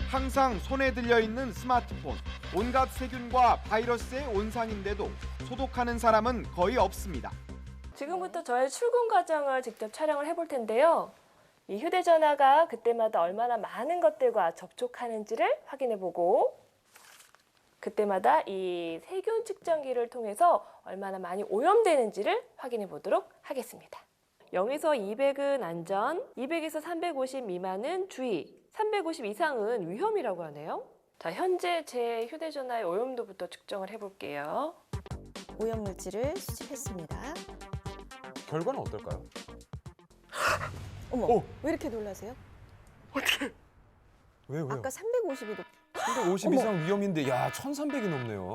항상 손에 들려있는 스마트폰, 온갖 세균과 바이러스의 온상인데도 소독하는 사람은 거의 없습니다. 지금부터 저의 출근 과정을 직접 촬영을 해볼 텐데요. 이 휴대전화가 그때마다 얼마나 많은 것들과 접촉하는지를 확인해보고 그때마다 이 세균 측정기를 통해서 얼마나 많이 오염되는지를 확인해보도록 하겠습니다. 0에서 200은 안전, 200에서 350 미만은 주의, 350 이상은 위험이라고 하네요. 자, 현재 제 휴대전화의 오염도부터 측정을 해볼게요. 오염물질을 수집했습니다. 결과는 어떨까요? 어머, 왜 이렇게 놀라세요? 왜요? 아까 350이 높... 350 어머. 이상 위험인데 야 1,300이 넘네요.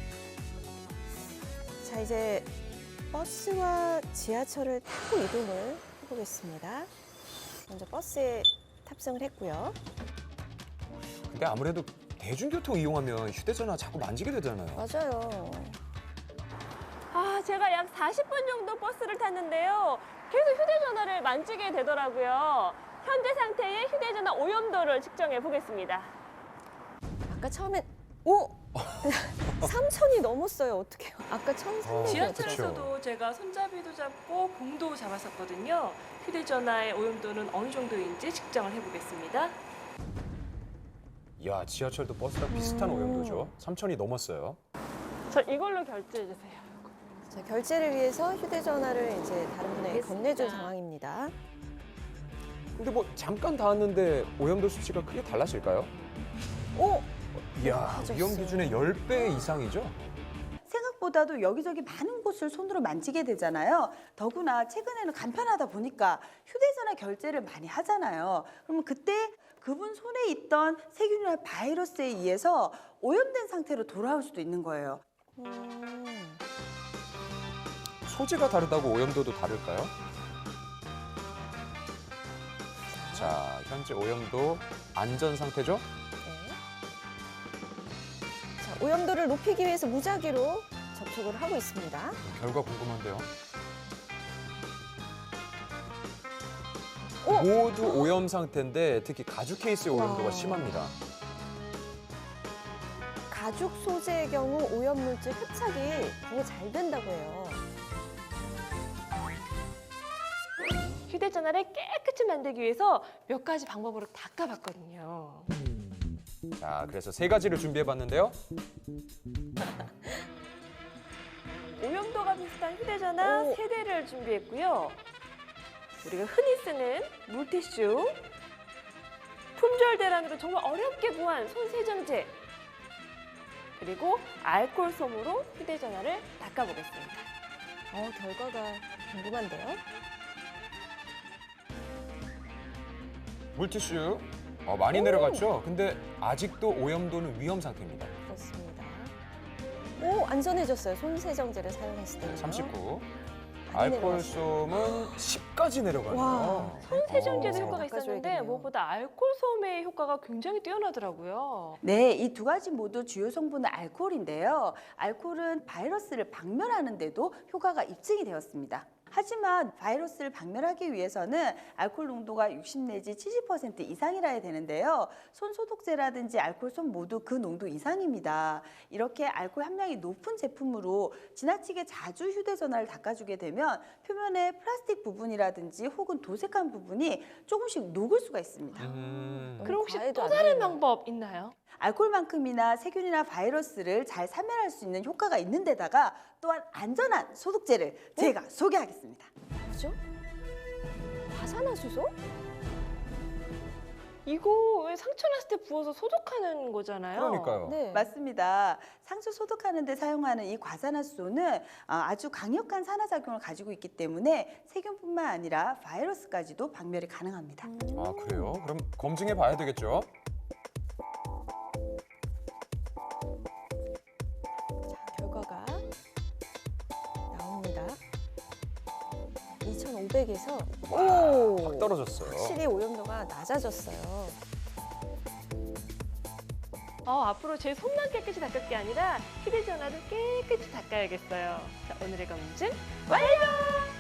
자, 이제 버스와 지하철을 타고 이동을 해보겠습니다. 먼저 버스에 탑승을 했고요. 근데 아무래도 대중교통 이용하면 휴대전화 자꾸 만지게 되잖아요. 맞아요. 제가 약 40분 정도 버스를 탔는데요. 계속 휴대전화를 만지게 되더라고요. 현재 상태의 휴대전화 오염도를 측정해 보겠습니다. 아까 처음엔 오! 3,000이 넘었어요. 어떡해요? 아까 1,300이었죠. 지하철에서도 제가 손잡이도 잡고 봉도 잡았었거든요. 휴대전화의 오염도는 어느 정도인지 측정을 해보겠습니다. 야 지하철도 버스랑 비슷한 오염도죠. 3,000이 넘었어요. 저 이걸로 결제해 주세요. 자, 결제를 위해서 휴대전화를 이제 다른 분에게 알겠습니다. 건네준 상황입니다. 근데 뭐 잠깐 닿았는데 오염도 수치가 크게 달라질까요? 오! 이야 빠졌어요. 위험 기준의 10배 이상이죠? 생각보다도 여기저기 많은 곳을 손으로 만지게 되잖아요. 더구나 최근에는 간편하다 보니까 휴대전화 결제를 많이 하잖아요. 그러면 그때 그분 손에 있던 세균이나 바이러스에 의해서 오염된 상태로 돌아올 수도 있는 거예요. 소재가 다르다고 오염도도 다를까요? 자 현재 오염도 안전 상태죠? 네. 자, 오염도를 높이기 위해서 무작위로 접촉을 하고 있습니다. 결과 궁금한데요. 오! 모두 오염 상태인데 특히 가죽 케이스의 오염도가 와. 심합니다. 가죽 소재의 경우 오염물질 흡착이 되게 잘 된다고 해요. 휴대전화를 깨끗이 만들기 위해서 몇 가지 방법으로 닦아봤거든요. 자 그래서 3가지를 준비해봤는데요. 오염도가 비슷한 휴대전화 오. 3대를 준비했고요. 우리가 흔히 쓰는 물티슈, 품절 대란으로 정말 어렵게 구한 손세정제, 그리고 알코올 솜으로 휴대전화를 닦아보겠습니다. 결과가 궁금한데요. 물티슈 많이 내려갔죠? 근데 아직도 오염도는 위험 상태입니다. 그렇습니다. 오, 안전해졌어요. 손세정제를 사용했을 때는. 39. 많이 알코올솜은 10까지 내려가네요. 와. 손세정제도 어. 효과가 있었는데 닦아줘야겠네요. 무엇보다 알코올 솜의 효과가 굉장히 뛰어나더라고요. 네, 이 두 가지 모두 주요 성분은 알코올인데요. 알코올은 바이러스를 박멸하는 데도 효과가 입증이 되었습니다. 하지만 바이러스를 박멸하기 위해서는 알코올 농도가 60 내지 70% 이상이라야 되는데요. 손 소독제라든지 알코올솜 모두 그 농도 이상입니다. 이렇게 알코올 함량이 높은 제품으로 지나치게 자주 휴대전화를 닦아주게 되면 표면에 플라스틱 부분이라든지 혹은 도색한 부분이 조금씩 녹을 수가 있습니다. 그럼 혹시 과해도 또 안 다른 되네요. 방법 있나요? 알코올만큼이나 세균이나 바이러스를 잘 사멸할 수 있는 효과가 있는 데다가 또한 안전한 소독제를 제가 소개하겠습니다. 뭐죠? 화산화수소? 이거 왜 상처 났을 때 부어서 소독하는 거잖아요. 그러니까요. 네. 맞습니다. 상처 소독하는 데 사용하는 이 과산화수소는 아주 강력한 산화작용을 가지고 있기 때문에 세균뿐만 아니라 바이러스까지도 박멸이 가능합니다. 아 그래요? 그럼 검증해 봐야 되겠죠? 자, 결과가 나옵니다. 2,500에서 확 떨어졌어요. 확실히 오염도가 낮아졌어요. 앞으로 제 손만 깨끗이 닦을 게 아니라 휴대전화도 깨끗이 닦아야겠어요. 자, 오늘의 검증 완료!